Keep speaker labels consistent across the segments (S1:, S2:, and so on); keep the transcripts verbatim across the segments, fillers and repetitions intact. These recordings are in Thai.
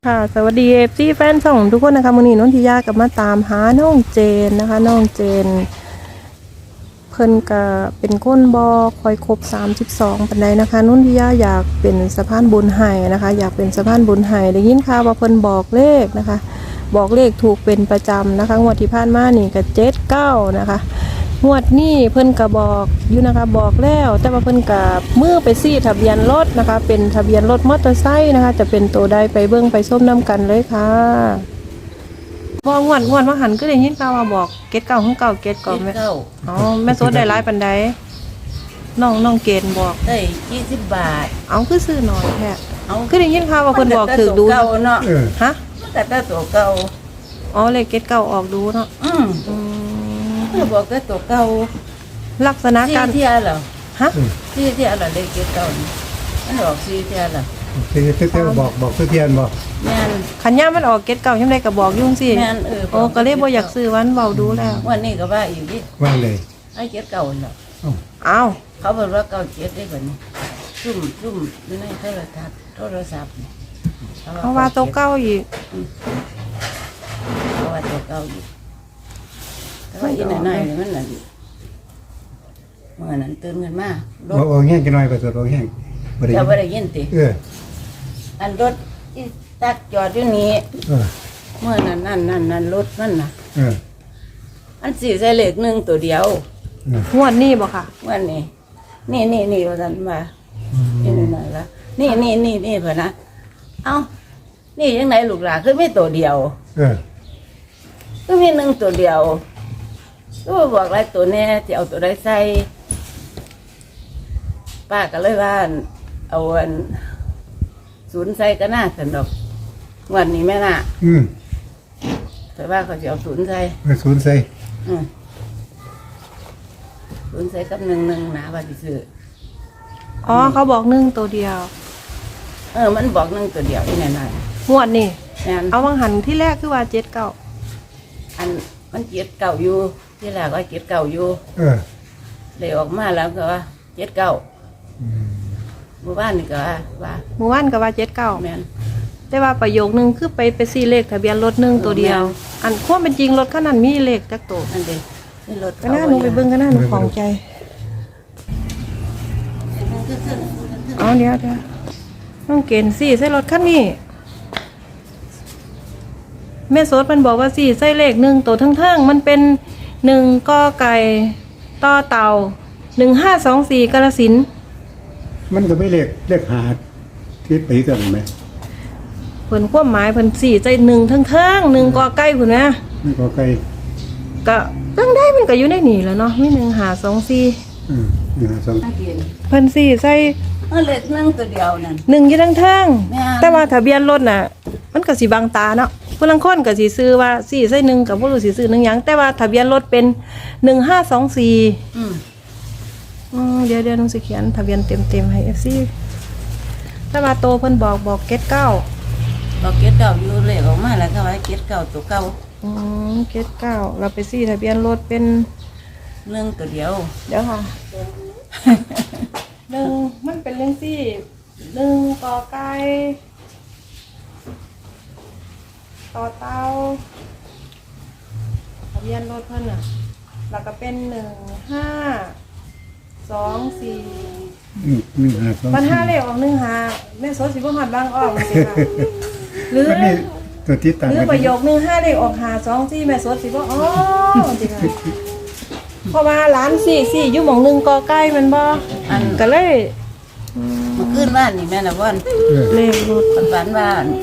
S1: ค่ะสวัสดีเอฟซีแฟนช่องทุกคนนะคะวันนี้น้องทิยากับมาตามหาน้องเจนนะคะน้องเจนเพิ่นก็เป็นก้นบอคอยครบสามสิบสองปันใดนะคะน้องทิยาอยากเป็นสะพานบุญไห้นะคะอยากเป็นสะพานบุญไห้ได้ยินข่าวว่าเพิ่นบอกเลขนะคะบอกเลขถูกเป็นประจำนะคะงวดที่ผ่านมานี่ก็เจ็ดเก้านะคะงวดนี้เพิ่นก็บอกอยู่นะคะบอกแล้วแต่ว่าเพิ่นก็มือไปซี่ทะเบียนรถนะคะเป็นทะเบียนรถมอเตอร์ไซค์นะคะจะเป็นตัวใดไปเบิ้งไปส้มน้ำกันเลยค่ะบอกงวดงวดว่าหันก็ได้ยินข่าวว่าบอกเกตเก่าของเก่าเกตก่อนไหมอ๋อแม่โซดได้ร้ายปันใดน้องน้องเกณฑ์บอก
S2: ได้ยี่สิบบาท
S1: เอาคือซื้อหน่อยแค่
S2: เอา
S1: คือได้ยินข่าวว่าคนบอกถือดู
S2: เก่าเนาะ
S1: ฮะ
S2: แต่แต่ตัวเก่า
S1: อ๋อเลยเกตเก่าออกดูเนาะ
S2: อืมคือบอกแต่ตัวเก่า
S1: ลักษณะการ
S2: ซีเทียเหรอ
S1: ฮะ
S2: ซีเทียเหรอเลยเกตเก่ามันออกซีเทียเหรอ
S3: ซีเทียบอกบอกซีเทียนบอก
S2: แม่น
S1: ขันย่ามันออกเกตเก่ายังไงก็บอกยุ่งสิ
S2: แม่นเออ
S1: โอ้ก็เลยบ่อยากซื้อวันเบาดูแล้ว
S2: วันนี้ก็ว่าอยู่ดิ
S3: ว่าเลย
S2: ไอ้เกตเก่าเหรอ
S1: อ้าว
S2: เขาบอกว่าเก่าเกตได้แบบนี้ซุ่มซุ่มอยู่ในโทรทัศน์โทรศัพท์
S1: เพราะว่าตัวเก่าอีก
S2: เพราะว่าตัวเก่าอีกแต่ว่าอีไหนๆมันน่ะเมื่อนั้นตื่นเงินมา
S3: บอกโอ้แห้งกันหน่อยไปตัวโอ้แห้ง
S2: จะไม่ได้ยินติ
S3: เออ
S2: อันรถที่ตักจอดอยู่นี้เมื่อนั้นนั่นนั่นนั่นรถนั่นน่ะอันสี่ใส่เหล็กหนึ่งตัวเดียว
S1: งวดนี้บ่ค่ะ
S2: วันนี้นี่นี่นี่ว่ากันมานี่นี่นั่นละนี่นี่นี่นี่เพื่อนนะเอ้านี่ยังไงลูกหลานคือไม่ตัวเดียวก็มีหนึ่งตัวเดียวก็บอกอะไรตัวแน่จะเอาตัวใดใส่ป้าก็เลยว่าเอาอันศูนย์ใส่ก็น่าสนุกวันนี้แม่น่ะ
S3: อืม
S2: แต่ว่าเขาจะเอาศูนย์ใส่
S3: ศูนย์ใส่
S2: อืมศูนย์ใส่กับหนึ่งหนึ่งนะว่าที่ซื้อ
S1: อ๋อเขาบอกหนึ่งตัวเดียว
S2: เออมันบอกหนึ่งตัวเดียวที่ไหนไหน
S1: งวดนี่เอาวังหันที่แรกคือว่าเจ็ดเก้า
S2: อันมันเจ็ดเก่าอยู่ที่แรกว่าเจ็ดเก่าอยู่
S3: เออ
S2: เลยออกมาแล้วก็ว่าเจ็ดเก่าหมู่บ้านนี่ก็ว่าว่า
S1: หมู่บ้านก็ว่าเจ็ดเก้า
S2: แม่น
S1: แต่ว่าประโยคนึงคือไปไปซี่เลขทะเบียนรถหนึ่งตัวเดียวอันความเป็นจริงรถคันนั้นมีเลขจักตัว
S2: อันเดียวนี่รถ
S1: ก็น่าหนูไปเบิ่งก็น่าหนูของใจเอาเดี๋ยวเดี๋ยวน้องเกณฑ์สี่ใส่รถคันนี้แม่โซดมันบอกว่าสี่ใส่เลขหนึ่งตัวทั้งๆมันเป็นหนึ่งกอไก่ต่อเต่าหนึ่งห้าสองสี่กาฬสินธุ์
S3: มันก็ไม่เลขเลขหาที่ไปกันไหม
S1: เพิ่นความหมายเพิ่นสี่ใจหนึ่งทั้งๆหนึ่งกอไก่พุ่นนะ
S3: หนึ่งกอไก่
S1: ก็ตั้งได้มันก็อยู่ในนี่แล้วเนาะมีหนึ่งหาสองสี่
S3: อืมหนึ่งหาสอง
S1: เพิ่นสี่ใส่
S2: เลขหนึ่งตัวเดียวนั่น
S1: หนึ่งอยู่ทั้งๆแต่ว่าทะเบียนรถน่ะมันก็สิบังตาเนาะผู้ลังคนก็สิซื้อว่าสี่ใส่หนึ่งกับบ่รู้สิซื้อหนึ่งหยังแต่ว่าทะเบียนรถเป็นหนึ่งห้าสองสี่อืมอืมเดี๋ยวเดี๋ยวน้องสิเขียนทะเบียนเต็มๆให้ เอฟ ซี ถ้ามาโตเพิ่นบอกบอกเกตเก้า
S2: บอกเกตเก่าอยู่เลขออกมาแล้วก็ว่าเกตเก่าตัวเก่า
S1: อืมเกตเก้าเราไปซี่ทะเบียนรถเป็น
S2: หนึ่งตัวเดียว
S1: เดี๋ยวค่ะหนึ่งมันเป็นเรื่องซี่หนึ่งกอไก่ต่อเต้าทะเบียนรถเพิ่นอ่ะแล้วก็เป็นหนึ่งห้าสองสี่
S3: หนึ่งห้าสอง
S1: มันห้าเลขออกหนึ่งห้าแม่โซสิบหัดบางออกสิค่ะหรือ
S3: ตัวที่ต่าง
S1: หรือประโยคหนึ่งห้าเลขออกหาสองสี่แม่โซสิบอ๋อจริงค่ะเพราะว่าร้านสี่สี่อยู่หม่องหนึ่งกอใกล้มันบ่อันก็เลย
S2: มาขึ้นบ้านนี่แม่นะว่าน
S1: เลขรถ
S2: บ้านบ้าน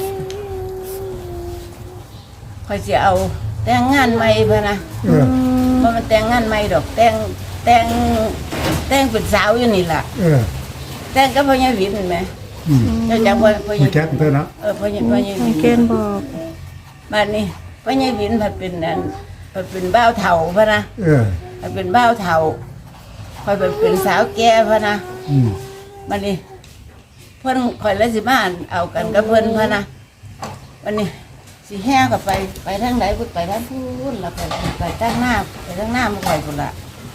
S2: คอยจะเอาแต่งงานใหม่เพื่อนะมันมันแต่งงานใหม่ดอกแต่งแต่งแต่งเป็นสาวอยู่นี่แหละแต่งก็พ่อใหญ่วินเห็นไหมเจ้าจังพ่อพ่อใหญ่
S3: แจ๊คเพื่อนเนาะ
S2: เออพ่อใหญ่พ่อใหญ่วิน
S1: เกณฑ์บอก
S2: บ้านนี้พ่อใหญ่วินผัดเป็นนั่นผัดเป็นบ้าวเถาพ่อนะผัดเป็นบ้าวเถาคอยเป็นเป็นสาวแก่พ่อนะบ้านนี้เพื่อนคอยแล้วสิมาเอากันกับเพื่อนพ่อนะวันนี้สีแห้กับไปไปทางไหนพูดไปทางพูดแล้วไปไปทางหน้าไปทางหน้ามาคอยคนละ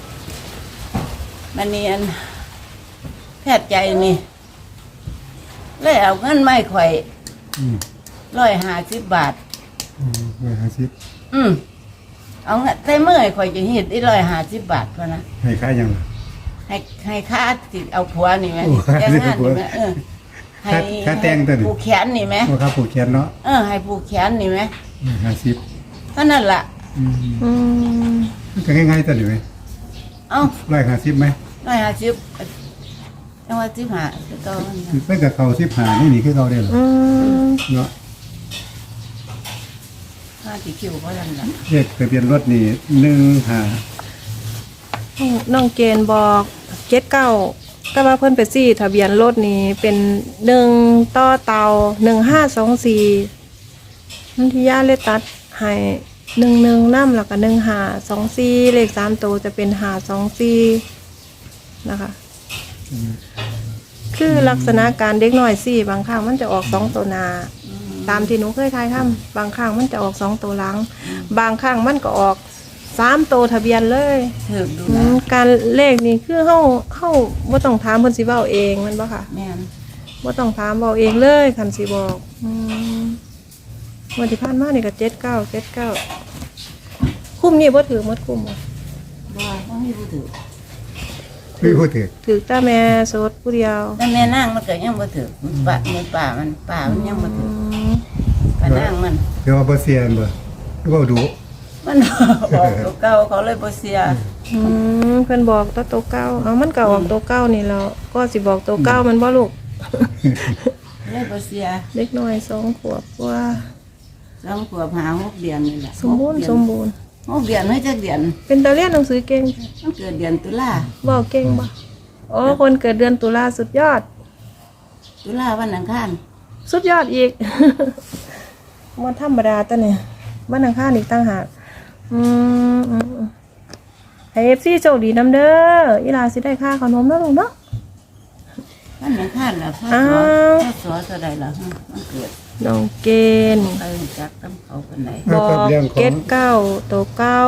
S2: มันนี่อันแพทย์ใจนี่เลยเอาเงินไม่ข่อยร้อยห้าสิบบาท
S3: อืมร้อยห้าสิบ
S2: อืมเอาเงินใส่เมื่อยข่อยจะเฮ็ดได้ร้อยห้าสิบบาทพอนะ
S3: ให้ค่ายังล่ะ
S2: ให้ให้ค่าติดเอาผัวนี่ไหม
S3: โอ้
S2: แต่งงานนี่ไหมเออให้
S3: ค่าค่าแต่งตัวนี่
S2: ผูกแขนนี่ไหม
S3: ว่าครับผูกแขนเนาะ
S2: เออให้ผูกแขนนี่ไหม
S3: ห้าสิบ
S2: ก็นั่นล่ะ
S3: อืม
S1: อืม
S3: มันก็ง่ายๆตัวนี้ไหม
S2: เอ้า
S3: ร้อยห้าสิบไหม
S2: ร้อยห้าสิบจังหวัดสิบห้าคือเก่ามันน่ะ
S3: เพิ่นกับเขาสิบหานี่นี่คือเขาได้เหรอ
S1: อืม
S3: เนาะ
S2: ห้าที่คิวเพราะนั่นล่ะ
S3: เลขทะเบียนรถนี่หนึ่งห้า
S1: น้องเกณฑ์บอกเจ็ดเก้าก็ว่าเพิ่นไปซี่ทะเบียนรถนี่เป็นหนึ่งต่อเตาหนึ่งห้าสองสี่นันทิยาเลยตัดให้หนึ่งหนึ่งน้ำแล้วก็หนึ่งหาสองสี่เลขสามตัวจะเป็นหาสองสี่นะคะ คือลักษณะการเด็กน้อยสี่บางครั้งมันจะออกสองตัวหนา ตามที่หนูเคยทายทำบางครั้งมันจะออกสองตัวหลัง บางครั้งมันก็ออกสามตัวทะเบียนเลย
S2: ถือดู
S1: อื
S2: นะ
S1: มการเลขนี่คือเฮาเฮาบ่ต้องถามเพิ่นสิเว้าเองแมันบ่ค่ะ
S2: แม่น
S1: บ่ต้องถามเว้าเองเลยคันสิบอกอืมวันที่ผ่านมานี่ก็เจ็ดเก้าเจ็ดเก้าคุ้มนี่บ่ถือหมดคุ้มบ่
S2: บ่ต้องมีผู้ถือ
S3: ไม่พูดถึง
S1: ถือแต่แม่โสดผู้เดียว
S2: แต่แม่นางมันก็ยังบ่ถือมันป่ามันป่ามันป่ามันยังบ่ถื
S1: อื
S2: อ
S1: ม
S2: ป่านั่งมัน
S3: เดี๋ยวว่าบ่เสียนบ่หรือว่าดู
S2: มันออกตัวเก่าเขาเลยบ่เสีย
S1: อืมเพิ่นบอกแตัวตัวเก้าเอามันก็ออกตัวเก้านี่แล้วก็สิบอกตัวเก้ามันบ่ลูก
S2: เลยบ่เสีย
S1: เด็กน้อยสองขวบว่า
S2: สองขวบหาหกเดือนนี่แหละ
S1: สมบูรณ์
S2: หกเดือน
S1: สมบูรณ์
S2: หกเดือนไม่จักเดือน
S1: เป็นตาเรียนหนังสือเก่ง
S2: มันเกิดเดือนตุลา
S1: บอกเก่งบ่อ๋อคนเกิดเดือนตุลาสุดยอด
S2: ตุลาวันอังคาร
S1: สุดยอดอีก มันธรรมดาตัวเนี่ยบ้านอังคารอีกต่างหากอืมอืมอืมให้เอฟซีโชคดีน้ำเด้ออีหลาสิได้ค่าขนมแล้วลูกเนาะ
S2: วันอังคารล่ะพ่อ
S1: อ้า
S2: สอ
S1: ว
S2: พ่อสอเท่าใดล่ะฮะมันเกิด
S1: น้องเกณฑ์
S2: ไปจักตำเขาคนไหน
S1: บอกเก็ดเก้าตัวเก้า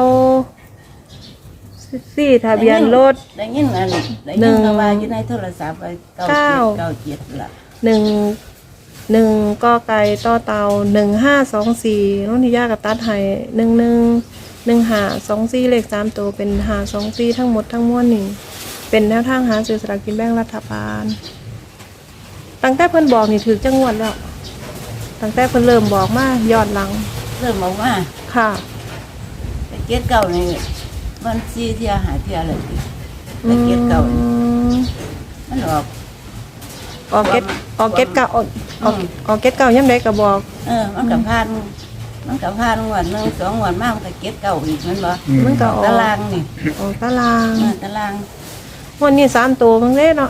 S1: สี่ทะเบียนรถ
S2: ได้ยินอันได้
S1: หนึ่
S2: ยิน
S1: ง
S2: เขาว่าอยู่ในโทรศัพท์ไปเก้า
S1: เก้า
S2: เจ็ดเก้าเจ็ดล่ะ
S1: หนึ่งหนึ่งกอไก่ต่อเตาหนึ่งห้าสองสี่น้องทิยากับตัดไห้หนึ่งหนึ่งหนึ่งหาสองสี่เลขสามตัวเป็นหาสองสี่ทั้งหมดทั้งมวลนี่เป็นแนวทางหาซื้อสลากกินแบ่งรัฐบาลตั้งแต่เพิ่นบอกนี่ถือจังหวัดแล้วตั้งแต่เพิ่นเริ่มบอกมายอดหลัง
S2: เริ่มบอกว่า
S1: ค่ะ
S2: ไปเก็ดเก่านี่มันซีเทียหาเทียเลยไปเก็ดเก่านี่
S1: อืม
S2: มันออก
S1: ออกเก็ตออกเก็ตเก่าออกออกออกเก็ตเก่ายังไดก็บอก
S2: เออ มันกับพานมันกับพานงวันหนึ่งสองงวันมากมันก็เก็ดเก่าอีกแมันบ่
S3: อืม
S1: มันก็ออก
S2: ตารางนี่
S1: ออกตาราง
S2: เออตาราง
S1: วันนี้สามตัวมันเล่เนาะ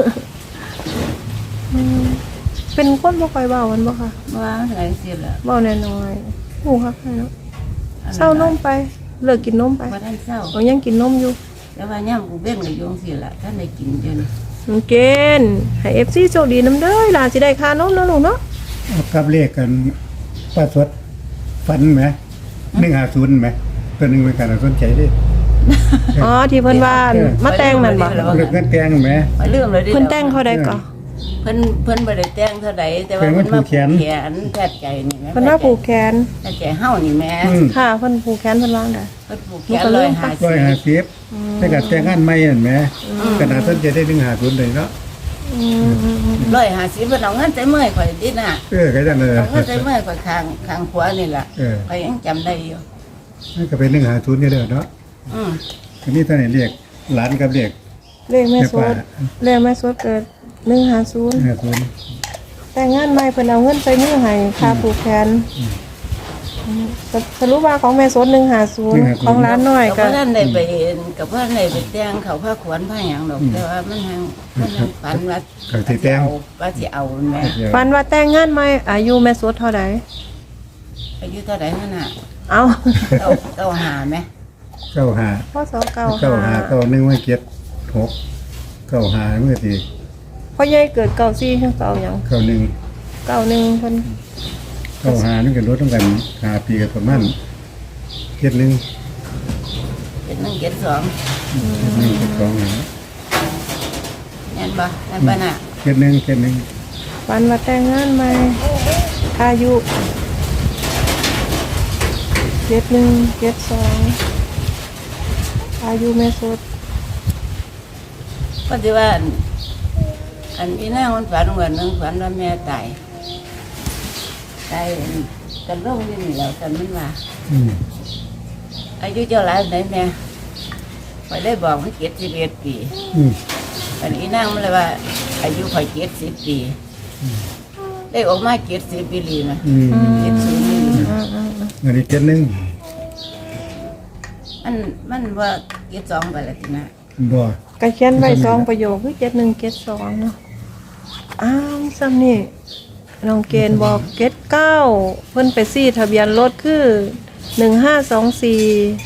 S1: อืมเป็นคนบ่ค่อยเบามันบ่ค่ะ
S2: ว่ามันไหลเสียแล้ว
S1: เบาแน่น้อยหูคักให้เนาะเศร้านมไป เลิกกินนมไป
S2: ว่าท่านเศร้า
S1: เอายังกินนมอยู่
S2: แต่ว่าย่ำกูเบ้งกับโยงสิละท่านได้กินจน
S1: น้องเกณฑ์ให้ เอฟ ซี โชคดีนำเด้อหลานสิได้ค่านมเนาะลูกเนาะ
S3: เอากับเลขกันป้าสดฟันไหมหนึ่งห้าศูนย์ไหมตัวหนึ่งเป็นการสนใจดิ
S1: อ๋อที่เพิ่นว่ามาแต่งนั่นบ่
S3: เรื่องเงินแตงไหม
S2: มาลืมเลยดิ
S1: เพิ่นแต่งเขาได้ก่อ
S2: เพิ่นเพิ่นบ่ได้แต่งเท่าใดแต่ว่า
S3: แต่ว่า
S2: เพิ่นมา
S3: ผูกแขน
S2: แขนแพทย์ใจนี่แม่
S1: เพิ่นว่าผูกแขน
S2: แพทย์ใจเฮานี่แม่
S3: อืม
S1: ค่ะเพิ่นผูกแขนเพิ่นวางได้
S2: เพิ่นผูกแข
S1: มัน
S2: น
S1: ก็
S2: ร้
S1: เริ่
S2: อย
S1: ม
S2: ห้า
S3: ร้อยห้าสิบแต่กับแต่งงานไม่เห็นไหมขนาดสนใจได้หนึ่งห้าศูนย์เลยเนาะ
S1: อืมอืมอืม
S2: ร้อยห้าสิบเพิ่นเอาเงินใส่มือให้ข่อยดิน่ะ
S3: เออก็จังเลย
S2: เอาเงินใส่มือให้ข่อยข้างข้างขวานี่ล่ะ
S3: เออ
S2: ข่อยยังจำได้อยู่
S3: นั่นก็เป็นหนึ่งห้าศูนย์นี่เด้อเนาะ
S2: อืม
S3: ทีนี้ท่านเรียกหลานกับเรียก
S1: เลขแม่สวดเลขแม่สวดเกิดหนึ่งห้าศูนย์
S3: ห้าศูนย์
S1: แต่งงานใหม่เพิ่นเอาเงินใส่มือให้ค่าผูกแขนสสรุปว่าของแม่สดหนึ่งห้าศูนย์ของร้านน้อย
S2: ก็
S1: ก็
S2: ท่านได้ไปเห็นกับว่าได้ไปแต่งเขาผ้าขวัญผ้าหยังดอกแต่ว่ามันแฮงมันแฮงฝันว่า
S3: เขาสิแต่ง
S2: ว่าสิเอาแม่
S1: ฟันว่าแต่งงานใหม่อายุแม่สดเท่าใด
S2: อายุเท่าไหร่นั่นน่ะ
S1: เอา
S2: เก้าเก้าหาไหม
S3: เก้าห้า
S1: พ่อสอเก่า
S3: เก้าห้าเก้าหนึ่งไม่เก็ดหกเก้าห้าเมื่อที
S1: พ่อใหญ่เกิดเก่าซี่ขึ้นเก่าหยัง
S3: เก้าหนึ่ง
S1: เก่าหนึ่งเพิ่น
S3: เก้าห้านี่กันรถต้องกันห้าปีกับประมาณเก็ดหนึ่ง
S2: เจ็ดหนึ่งเจ็ดสอง
S3: เก็ดหนึ่งเก็ดสองนะ
S2: เห็นบ่นั่นปะน่ะ
S3: เก็ดหนึ่งเก็ดหนึ่ง
S1: ฟันว่าแต่งงานใหม่อายุเจ็ดหนึ่งเจ็ดสองอายุแม่สด
S2: ก็ที่ว่าอันอันนี้นางมันฝันวันหนึ่งฝันว่าแม่ตายตายกันร่มที่นี่แล้วกันมันว่า
S3: อืม
S2: อายุเจ้าหลายไหนแม่ไปได้บอกมันเจ็ดสิบเอ็ดปี
S3: อืม
S2: อันนี้นางมันเลยว่า อายุข่อยเจ็ดสิบปีได้ออกมาเจ็ดสิบปีลีนะ
S3: อืม
S2: เจ็ดสิบปี
S1: อืมอืมอืม
S3: อันนี้เจ็ดหนึ่ง
S2: มันมันว่าเจ็ดสองไปแล้วทีนะ
S3: บ่
S1: กระเขียนไว้สองประโยคคือเจ็ดหนึ่งเจ็ดสองเนาะอ้าวซ้ำนี่น้องเกณฑ์บอกเจ็ดเก้าเพิ่นไปซี่ทะเบียนรถคือหนึ่งห้าสองสี่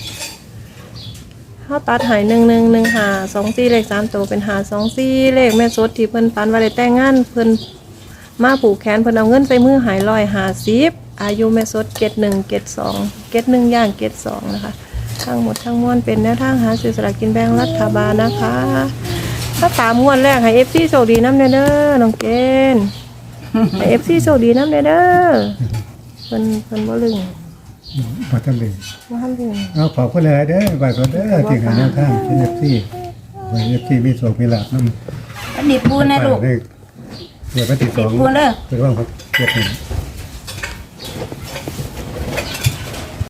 S1: เขาตัดหายหนึ่งหนึ่งหนึ่งหาสองสี่เลขสามตัวเป็นหาสองสี่เลขแม่สดที่เพิ่นปันว่าได้แต่งงานเพิ่นมาผูกแขนเพิ่นเอาเงินใส่มือหายลอยหาสิบอายุแม่สดเจ็ดหนึ่งเจ็ดสองเจ็ดหนึ่งย่างเจ็ดสองนะคะทั้งหมดทั้งมวลเป็นแนวทางหาซื้อสลากกินแบ่งรัฐบาลนะคะ ถ้าตามมวลแรกให้เอฟซีโชคดีน้ำเด้อเด้อน้องเกณฑ์ให้เอฟซีโชคดีน้ำเด้อเด้อเพิ่นเพิ่นบ่ลึง
S3: บ่ทันเลย
S1: บ่ทันลึง
S3: เอาขอบคุณหลายๆเด้อบาดเด้อที่ให้แนวทางที่ เอฟ ซี ไว้ เอฟ ซี มีโชคมีลาภนำ
S2: อันนี้ปูนะลูก
S3: เกิดวันที่สอง
S2: ติดปูเด้อ
S3: เกิดวันที่เจ็ดนี่